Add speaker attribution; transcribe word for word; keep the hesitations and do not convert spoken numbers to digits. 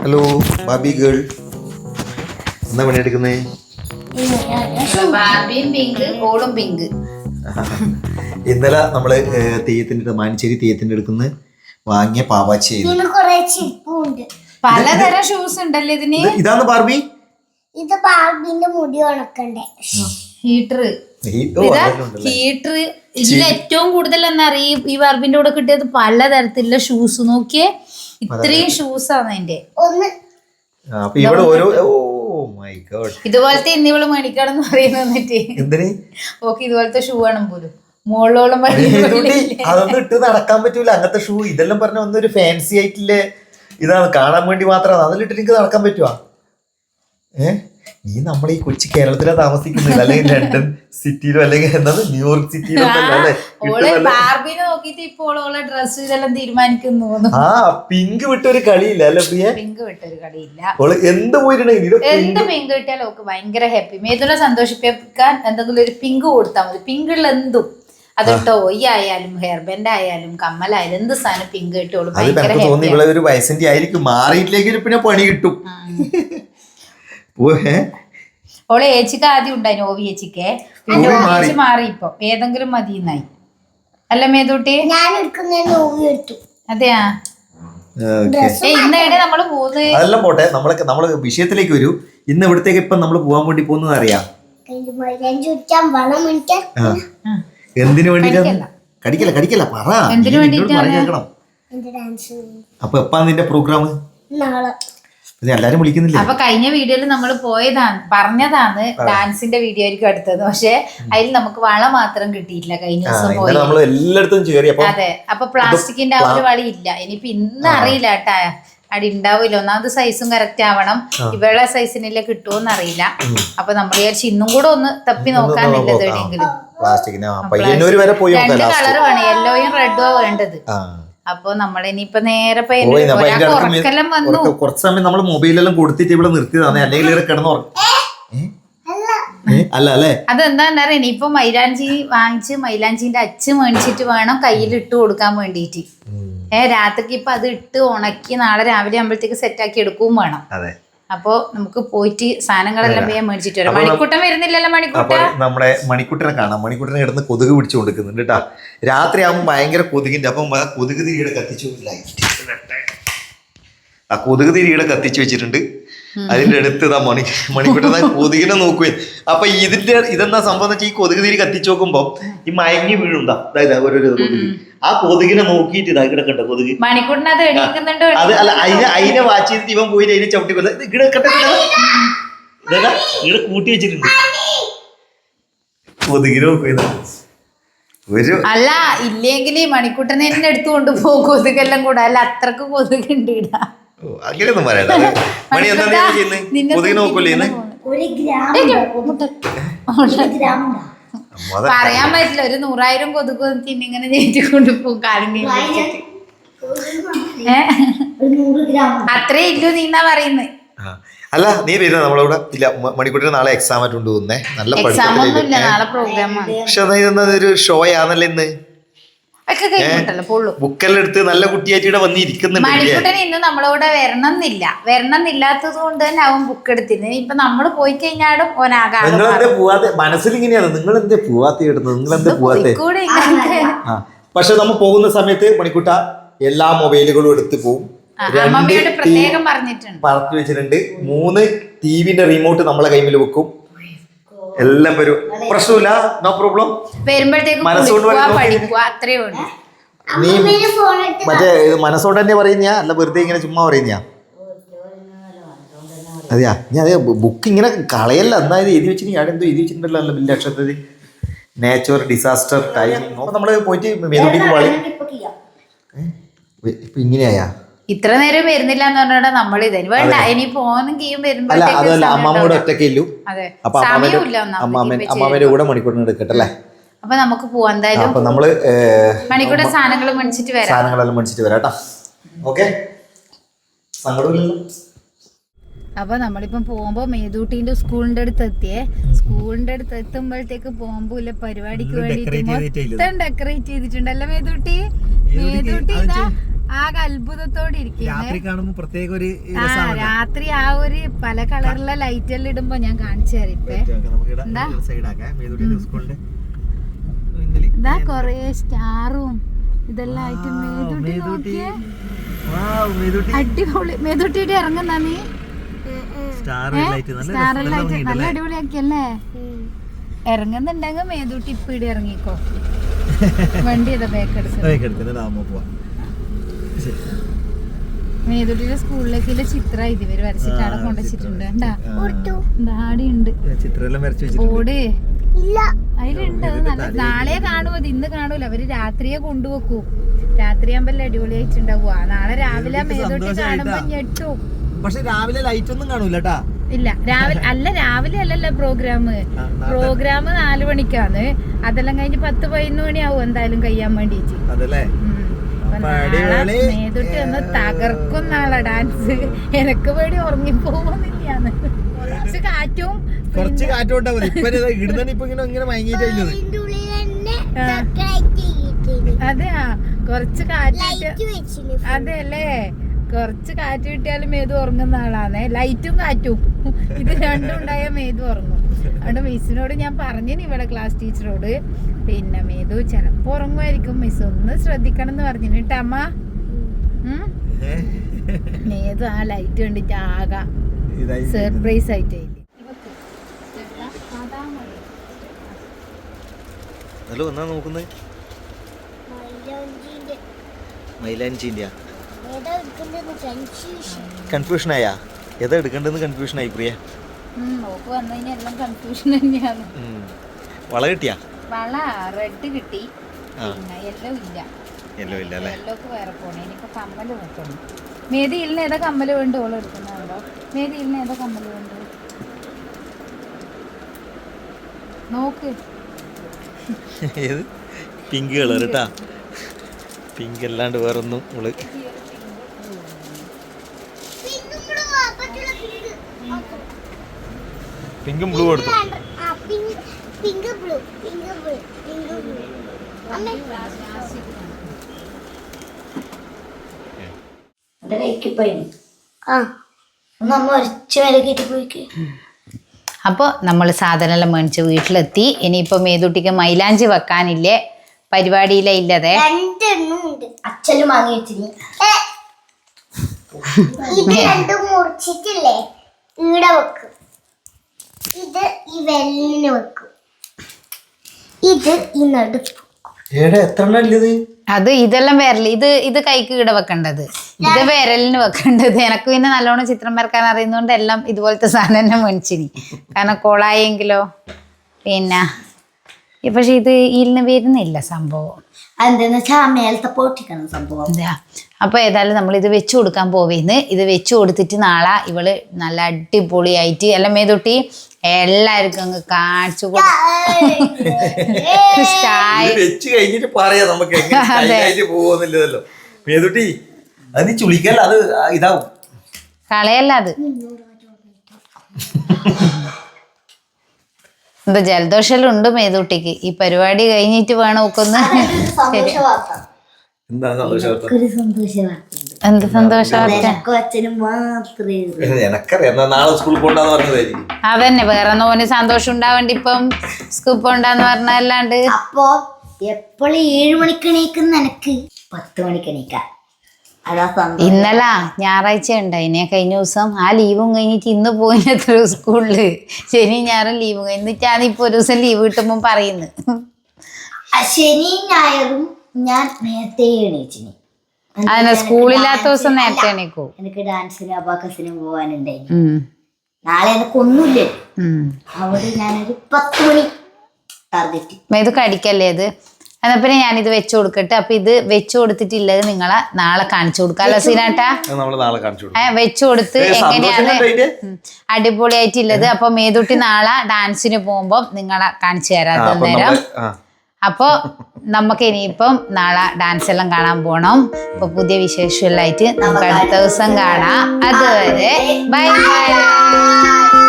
Speaker 1: Hello ബാബി girl, എന്താ പണിയെടുക്കുന്നേ? ഇന്നലെ നമ്മള് തെയ്യത്തിന്റെ മാനിച്ചേരി തെയ്യത്തിന്റെ അടുക്കുന്ന വാങ്ങിയ പാവാച്ചി
Speaker 2: പലതരം ഷൂസ് ഉണ്ടല്ലോ ഇതിന്.
Speaker 1: ഇതാണ് ബാർബി.
Speaker 3: ഇത് ബാർബിന്റെ മുടി ഉണക്കണ്ടേ
Speaker 2: ഹീറ്റർ ഹീറ്റർ ഇതിൽ ഏറ്റവും കൂടുതൽ എന്നാ അറിയും ഈ ബാർബിന്റെ കൂടെ കിട്ടിയത് പലതരത്തിലുള്ള ഷൂസ്. നോക്കിയേ, ഇത്രയും ഷൂസ് ആണ് അതിന്റെ.
Speaker 3: ഒന്ന്
Speaker 2: ഇതുപോലത്തെ ഇന്നിവള് മേടിക്കണം എന്ന് പറയുന്നത് ഓക്കെ. ഇതുപോലത്തെ ഷൂ ആണ് പോലും മുകളിലോളം
Speaker 1: അതൊന്നും ഇട്ട് നടക്കാൻ പറ്റൂല അങ്ങനത്തെ ഷൂ. ഇതെല്ലാം പറഞ്ഞ ഒന്നൊരു ഫാൻസി ആയിട്ടില്ലേ, ഇതാണ് കാണാൻ വേണ്ടി മാത്രമാണ്. അതിലിട്ട് എനിക്ക് നടക്കാൻ പറ്റുവാ? ഏഹ് നീ നമ്മൾ ഈ കൊച്ചി കേരളത്തിലാ താമസിക്കുന്നത്, അല്ലെങ്കിൽ ലണ്ടൻ സിറ്റിയിലോ അല്ലെങ്കിൽ എന്താണ് ന്യൂയോർക്ക് സിറ്റിയിലോ അല്ലേ? ആ പിങ്ക് വിട്ടൊരു കളിയില്ല അല്ലെ പ്രിയ?
Speaker 2: പിങ്ക് വിട്ടൊരു കളിയില്ല.
Speaker 1: ഓള് എന്ത് പോയിട്ടുണ്ടെങ്കിൽ
Speaker 2: എന്ത് പിങ്ക് കിട്ടിയാലും ഓക്ക് ഭയങ്കര ഹാപ്പി. മേതുനെ സന്തോഷിപ്പിക്കാൻ എന്തെങ്കിലും ഒരു പിങ്ക് കൊടുത്താൽ മതി. പിങ്കുള്ള എന്തും, അത് ടോയ് ആയാലും ഹെയർ ബാൻഡ് ആയാലും കമ്മലായാലും എന്ത് സാധനം പിങ്ക് കിട്ടുള്ളൂ.
Speaker 1: തോന്നി ഇവിടെ ഒരു വയസ്സിന്റെ ആയിരിക്കും, മാറിയിട്ടില്ലെങ്കിൽ പിന്നെ പണി കിട്ടും.
Speaker 2: ഓളെ ഏച്ചിക്ക് ആദ്യം ഉണ്ടായിരുന്നു, ഓവി ഏച്ചിക്ക്. പിന്നെ ഏച്ചി മാറി ഇപ്പൊ ഏതെങ്കിലും മതിയെന്നായി അല്ല മേതൂട്ടി? അതെയാ? ഇന്നേടെ നമ്മള് പോകുന്നത്.
Speaker 1: അതെല്ലാം പോട്ടെ, നമ്മളൊക്കെ നമ്മള് വിഷയത്തിലേക്ക് വരൂ. ഇന്ന് ഇവിടത്തേക്ക് ഇപ്പൊ നമ്മള് പോവാൻ വേണ്ടി പോകുന്നത് അറിയാം. എന്തിനു വേണ്ടിട്ടാണ്? കടിക്കല കടിക്കല പറ.
Speaker 2: എന്തിനു വേണ്ടിട്ടാണ്?
Speaker 1: അപ്പൊ എപ്പാ നിന്റെ പ്രോഗ്രാം?
Speaker 3: നാളെ.
Speaker 1: എല്ലാരും വിളിക്കുന്നില്ല.
Speaker 2: അപ്പൊ കഴിഞ്ഞ വീഡിയോയിൽ നമ്മൾ പോയതാണ്, പറഞ്ഞതാണ് ഡാൻസിന്റെ വീഡിയോ ആയിരിക്കും അടുത്തത്. പക്ഷെ അതിൽ നമുക്ക് വള മാത്രം കിട്ടിയിട്ടില്ല കഴിഞ്ഞ ദിവസം പോയി. അതെ, അപ്പൊ പ്ലാസ്റ്റിക്കിന്റെ ആ ഒരു വളി ഇല്ല. ഇനിയിപ്പൊ ഇന്ന് അറിയില്ല കേട്ടാ, അവിടെ ഉണ്ടാവില്ല. ഒന്നാമത് സൈസും കറക്റ്റ് ആവണം. ഇവളെ സൈസിനെല്ലാം കിട്ടുമോന്ന് അറിയില്ല. അപ്പൊ നമ്മൾ വിചാരിച്ചു ഇന്നും കൂടെ ഒന്ന് തപ്പി നോക്കാന്നില്ലത് എവിടെയെങ്കിലും. രണ്ട് കളർ വേണം, യെല്ലോയും റെഡും ആ വേണ്ടത്. അപ്പൊ നമ്മളിനിയിപ്പൊ നേരെ ഉറക്കെല്ലാം വന്നു.
Speaker 1: കുറച്ച് സമയം നമ്മൾ മൊബൈലെല്ലാം കൊടുത്തിട്ട് ഇവിടെ നിർത്തിയതാണ്, അല്ലെങ്കിൽ ഇവിടെ കിടന്നു അല്ല അല്ലേ?
Speaker 2: അതെന്താ ഇനിയിപ്പൊ മൈലാഞ്ചി വാങ്ങിച്ച് മൈലാഞ്ചിന്റെ അച്ച് മേടിച്ചിട്ട് വേണം കയ്യിൽ ഇട്ട് കൊടുക്കാൻ വേണ്ടിട്ട്. ഏഹ് രാത്രിക്ക് ഇപ്പൊ അത് ഇട്ട് ഉണക്കി നാളെ രാവിലെ ആകുമ്പോഴത്തേക്ക് സെറ്റാക്കി എടുക്കുകയും വേണം. അപ്പൊ നമുക്ക് പോയിട്ട് സാധനങ്ങളെല്ലാം വേഗം മേടിച്ചിട്ട് വരാം. മണിക്കൂട്ടം വരുന്നില്ലല്ലോ? മണിക്കൂട്ട
Speaker 1: നമ്മുടെ മണിക്കൂട്ടനെ കാണാം. മണിക്കൂട്ടനെ കിടന്ന് കൊതുക് പിടിച്ചു കൊടുക്കുന്നുണ്ട് കേട്ടാ. രാത്രി ആകുമ്പോൾ ഭയങ്കര കൊതുകിന്റെ. അപ്പം കൊതുക് തിരിയുടെ കത്തിച്ചു, ആ കൊതുക് തിരിയുടെ കത്തിച്ചു വെച്ചിട്ടുണ്ട്. അതിന്റെ അടുത്ത് ഇതാ മണി മണിക്കൂട്ടൻ കൊതുകിനെ നോക്കുകയും. അപ്പൊ ഇതിന്റെ ഇതെന്താ സംഭവം എന്ന് വെച്ചാൽ ഈ കൊതുക് തിരി കത്തിച്ചു നോക്കുമ്പോ ഈ മയങ്ങി വീഴുണ്ടാ, അതായത് ഓരോ കൊതുക്. ആ കൊതുകിനെ നോക്കിയിട്ട് ഇതാ കിടക്കണ്ട കൊതുക്. അത് അല്ല, അതിനെ അതിനെ വാച്ച് ചെയ്തിട്ട് ഇവൻ പോയിട്ട് അതിനെ ചവിട്ടി കൊല്ല. ഇവിടെ ഇതാ ഇവിടെ കൂട്ടി വെച്ചിട്ടുണ്ട് കൊതുകിനെ നോക്കുക. ഒരു
Speaker 2: അല്ല ഇല്ലെങ്കിൽ മണിക്കൂട്ടനെ എന്നെ എടുത്തു കൊണ്ടുപോകും കൊതുകെല്ലാം കൂടെ. അല്ല അത്രക്ക് കൊതുകുണ്ട് ഇടാ.
Speaker 1: അങ്ങനെയൊന്നും പറയണ്ട. മണി എന്താ ചെയ്യുന്നത്? കൊതുകിനെ നോക്കൂല്ലേ?
Speaker 2: പറയാൻ പറ്റില്ല. ഒരു നൂറായിരം കൊതുക് ഇങ്ങനെ ജയിച്ചുകൊണ്ട് പോകും കാര്യം. അത്രേ ഇല്ലു നീന്നാ പറയുന്നത്.
Speaker 1: അല്ല നീ വരുന്ന നമ്മളവിടെ ഇല്ല. മണിക്കൂട്ടിന് നാളെ എക്സാം ആയിട്ട് കൊണ്ടുപോകുന്നേ. നല്ല പക്ഷെ ഒരു ഷോ ആണല്ലോ ഇന്ന്. ബുക്കെല്ലാം എടുത്ത് നല്ല കുട്ടിയായിട്ട് ഇവിടെ വന്നിരിക്കുന്നുണ്ട്.
Speaker 2: മണിക്കൂട്ടൻ ഇന്ന് നമ്മളോട് വരണം എന്നില്ല. വരണം എന്നില്ലാത്തത് കൊണ്ട് തന്നെ അവൻ ബുക്ക് എടുത്തിരുന്നത്. ഇപ്പൊ നമ്മള് പോയി കഴിഞ്ഞാലും
Speaker 1: നിങ്ങളെന്തേ പോവാത്തെ? മനസ്സിൽ ഇങ്ങനെയാണ്, നിങ്ങൾ എന്തേ പോവാത്ത ഇടുന്നത്, നിങ്ങൾ എന്തേ പോവാത്തെ? പക്ഷെ നമ്മൾ പോകുന്ന സമയത്ത് മണിക്കൂട്ട എല്ലാ മൊബൈലുകളും എടുത്ത് പോകും.
Speaker 2: പ്രത്യേകം പറഞ്ഞിട്ടുണ്ട്,
Speaker 1: പറഞ്ഞു വെച്ചിട്ടുണ്ട്. മൂന്ന് ടിവിന്റെ റിമോട്ട് നമ്മളെ കൈമിൽ വെക്കും. എല്ലാം വരും, പ്രശ്നമില്ല, നോ പ്രോബ്ലം.
Speaker 2: വരുമ്പോഴത്തേക്കും
Speaker 1: നീ മറ്റേ മനസ്സോണ്ട് തന്നെ പറയുന്നയാ അല്ല വെറുതെ ഇങ്ങനെ ചുമ്മാ പറയുന്നയാ? അതെയാ, ഞാൻ അതെ ബുക്ക് ഇങ്ങനെ കളയല്ല. എന്നായത് എഴുതി വെച്ചിട്ട് ഞാൻ എന്തോ എഴുതി വെച്ചിട്ടുണ്ടല്ലോ അല്ല വലിയ അക്ഷരത്തിൽ. നേച്ചർ ഡിസാസ്റ്റർ ടൈം നമ്മള് പോയിട്ട് മേലോട്ടേക്ക് വളി. ഇപ്പൊ ഇങ്ങനെയായാ?
Speaker 2: ഇത്ര നേരം വരുന്നില്ല എന്ന് പറഞ്ഞാ നമ്മൾ ഇതന്നെ വേണ്ട. ഇനി പോകുന്നെങ്കിലും വരുമ്പോ
Speaker 1: അതല്ല അമ്മാമ്മയുടെ ഒറ്റയ്ക്ക് ഇല്ലു. അപ്പൊ അമ്മാമ്മയുടെ കൂടെ മണിക്കൂറിന് എടുക്കട്ടല്ലേ?
Speaker 2: അപ്പൊ നമുക്ക് പോവാം എന്തായാലും.
Speaker 1: അപ്പൊ നമ്മള്
Speaker 2: മണിക്കൂടെ സാധനങ്ങൾ മേടിച്ചിട്ട് വരാം.
Speaker 1: സാധനങ്ങളെല്ലാം മേടിച്ചിട്ട് വരാട്ടാ. ഓക്കെ, സങ്കടമില്ലല്ലോ.
Speaker 2: അപ്പൊ നമ്മളിപ്പം പോകുമ്പോ മേതൂട്ടിന്റെ സ്കൂളിന്റെ അടുത്ത് എത്തിയേ. സ്കൂളിന്റെ അടുത്ത് എത്തുമ്പോഴത്തേക്ക് പോകുമ്പോ ഇല്ല പരിപാടിക്ക് വേണ്ടിട്ട് മൊത്തം ഡെക്കറേറ്റ് ചെയ്തിട്ടുണ്ടല്ലോ മേതൂട്ടി. മേതൂട്ടി ഇതാ ആകെ അത്ഭുതത്തോടെ
Speaker 1: രാത്രി കാണുമ്പോ പ്രത്യേക ഒരു
Speaker 2: ആ രാത്രി ആ ഒരു പല കളറിലെ ലൈറ്റ് എല്ലാം ഇടുമ്പോ ഞാൻ കാണിച്ചു തരിപ്പേ. ഇതാ കൊറേ സ്റ്റാറും ഇതെല്ലാം ആയിട്ട് മേതുട്ടി നോക്കിയേ. അടിപൊളി. മേതുട്ടിയുടെ ഇറങ്ങുന്ന നീ സ്റ്റാർ ലൈറ്റ് നല്ല അടിപൊളിയാക്കിയല്ലേ. ഇറങ്ങുന്നുണ്ടെങ്കിൽ മേതുട്ടി ഇപ്പൊ ഇവിടെ ഇറങ്ങിക്കോ. വണ്ടി ഇതാ ബാക്ക് എടുക്കുന്നത്. മേതുട്ടിയുടെ സ്കൂളിലേക്കുള്ള ചിത്രം ഇതുവരെ വരച്ചിട്ട് അവിടെ കൊണ്ടുവച്ചിട്ടുണ്ട്. ദാടിയുണ്ട് ഓട് അതിലുണ്ട്. നല്ല നാളെ കാണുമോ, ഇന്ന് കാണൂല. അവര് രാത്രിയെ കൊണ്ടുവെക്കൂ. രാത്രിയാകുമ്പോ അടിപൊളിയായിട്ടുണ്ടാവുക. നാളെ രാവിലെ മേതുട്ടി കാണുമ്പോ ഞെട്ടും.
Speaker 1: പക്ഷെ രാവിലെ ലൈറ്റ് ഒന്നും കാണൂലട്ടാ.
Speaker 2: ഇല്ല രാവിലെ അല്ല രാവിലെ അല്ലല്ലോ പ്രോഗ്രാം. പ്രോഗ്രാം നാലു മണിക്കാണ്. അതെല്ലാം കഴിഞ്ഞ് പത്ത് പതിനൊന്ന് മണിയാവും എന്തായാലും കഴിയാൻ വേണ്ടിട്ട്. മേതുട്ടി ഒന്ന് തകർക്കും നാളെ ഡാൻസ്. എനക്ക് പേടി ഉറങ്ങിപ്പോകുന്നില്ലാന്ന്. കുറച്ച് കാറ്റും
Speaker 1: കുറച്ച് കാറ്റും
Speaker 2: അതെയാ കുറച്ച് കാറ്റ്. അതെ അല്ലേ, കുറച്ച് കാറ്റ് കിട്ടിയാലും മേതു ഉറങ്ങുന്ന ആളാണ്. ലൈറ്റും കാറ്റും ഇത് രണ്ടും ഉണ്ടായ മേതു ഉറങ്ങും. അതുകൊണ്ട് മിസ്സിനോട് ഞാൻ പറഞ്ഞിന്, ഇവിടെ ക്ലാസ് ടീച്ചറോട്, പിന്നെ മേതു ചിലപ്പോ ഉറങ്ങുമായിരിക്കും, മിസ് ഒന്ന് ശ്രദ്ധിക്കണം എന്ന് പറഞ്ഞു കേട്ടോ അമ്മ. മേതു ആ ലൈറ്റ് കണ്ടിട്ട് ആകാ സർപ്രൈസ് ആയിട്ട്.
Speaker 1: കൺഫ്യൂഷൻ ആയാ? ഏതാ എടുക്കേണ്ടത് കൺഫ്യൂഷൻ ആയി പ്രിയ? വള കിട്ടിയാ?
Speaker 2: വള റെഡ് കിട്ടി, യെല്ലോ ഇല്ല.
Speaker 1: യെല്ലോ ഇല്ല അല്ലേ?
Speaker 2: യെല്ലോക്ക് വേറെ പോണേ. ഇനിയിപ്പോ കമ്മല് നോക്കണം. മേദിയിൽ ഏതാ കമ്മല് വേണ്ട ഓള് എടുക്കുന്നുണ്ടോ? മേദിയിൽ ഏതാ കമ്മല് വേണ്ട നോക്ക്.
Speaker 1: ഏത്? പിങ്ക് കളർ കേട്ടാ. പിങ്ക് അല്ലാണ്ട് വേറൊന്നും ഓള് പിങ്കും ബ്ലൂ എടുത്തു.
Speaker 2: അപ്പോൾ നമ്മൾ സാധനമെല്ലാം മേടിച്ച് വീട്ടിലെത്തി. ഇനിയിപ്പോൾ മേതുട്ടിക്ക് മൈലാഞ്ചി വെക്കാനില്ലേ, പരിപാടിയിലെ ഇല്ലതെ
Speaker 3: അച്ഛനും വാങ്ങി വെച്ചിന്. ഇത് രണ്ടും മുറിച്ചിട്ടില്ലേ ഈട വെക്കും. ഇത് ഈ വെല്ലിന് വെക്കും. ഇത് ഈ നടുപ്പ്.
Speaker 2: അത് ഇതെല്ലാം വിരല്. ഇത് ഇത് കൈക്ക് ഈട വെക്കേണ്ടത്, ഇത് വിരലിന് വെക്കേണ്ടത്. എനക്ക് പിന്നെ നല്ലോണം ചിത്രം വരക്കാൻ അറിയുന്നതുകൊണ്ട് എല്ലാം ഇതുപോലത്തെ സാധനം തന്നെ മേടിച്ചിനി. കാരണം കോളായെങ്കിലോ പിന്നെ പക്ഷെ ഇത് ഇതിന് വരുന്നില്ല സംഭവം.
Speaker 3: എന്താന്ന് വെച്ചാൽ മേലത്തെ പൊട്ടിക്കണം സംഭവം.
Speaker 2: അപ്പൊ ഏതായാലും നമ്മൾ ഇത് വെച്ചു കൊടുക്കാൻ പോവേന്ന്. ഇത് വെച്ചു കൊടുത്തിട്ട് നാളെ ഇവള് നല്ല അടിപൊളിയായിട്ട് എല്ലാം മേതൊട്ടി എല്ലാവർക്കും അങ്ങ് കാണിച്ചു കളയല്ല. അത് എന്താ ജലദോഷം ഉണ്ട് മേതുട്ടിക്ക്. ഈ പരിപാടി കഴിഞ്ഞിട്ട് വേണം ഒക്കൊന്ന്. എന്ത് സന്തോഷം? അതന്നെ വേറെ നോന് സന്തോഷം ഉണ്ടാവേണ്ടി ഇപ്പം സ്കൂൾ പോണ്ടെന്ന് പറഞ്ഞല്ലാണ്ട്.
Speaker 3: അപ്പൊ എപ്പോഴും ഏഴു മണിക്ക് എണീക്കുന്ന എനക്ക് പത്ത് മണിക്ക് എണീക്കാം.
Speaker 2: ഇന്നല ഞായറാഴ്ച ഉണ്ടായിനെ കഴിഞ്ഞ ദിവസം. ആ ലീവും കഴിഞ്ഞിട്ട് ഇന്ന് പോയിത്ര സ്കൂളില്. ശനി ഞായറും ലീവും കഴിഞ്ഞിട്ടാണ് ഇപ്പൊ ഒരു ദിവസം ലീവ് കിട്ടുമ്പോ പറയുന്നത്.
Speaker 3: ശനി ഞായറും ഞാൻ നേരത്തെ എണീച്ചിന്.
Speaker 2: അതന്നെ സ്കൂളില്ലാത്ത ദിവസം നേരത്തെ എണീക്കൂ.
Speaker 3: എനിക്ക് ഡാൻസിനും അബാക്കസിനും പോവാനുണ്ടായി. നാളെ എനക്കൊന്നുമില്ലേ, അവിടെ ഞാനൊരു പത്ത് മണി ടാർഗറ്റ്.
Speaker 2: ഇത് കടിക്കല്ലേ ഇത്? എന്നാ പിന്നെ ഞാനിത് വെച്ചു കൊടുക്കട്ടെ. അപ്പൊ ഇത് വെച്ചു കൊടുത്തിട്ടില്ലത് നിങ്ങളെ നാളെ കാണിച്ചു കൊടുക്കാം. സീനാട്ടാ വെച്ചു കൊടുത്ത് എങ്ങനെയാണ് അടിപൊളിയായിട്ടുള്ളത്. അപ്പൊ മേതുട്ടി നാളെ ഡാൻസിന് പോകുമ്പോ നിങ്ങളെ കാണിച്ചു തരാം നേരം. അപ്പൊ നമുക്ക് ഇനിയിപ്പം നാളെ ഡാൻസ് എല്ലാം കാണാൻ പോണം. അപ്പൊ പുതിയ വിശേഷമായിട്ട് നമുക്ക് അടുത്ത ദിവസം കാണാം. അതുവരെ ബൈ ബൈ.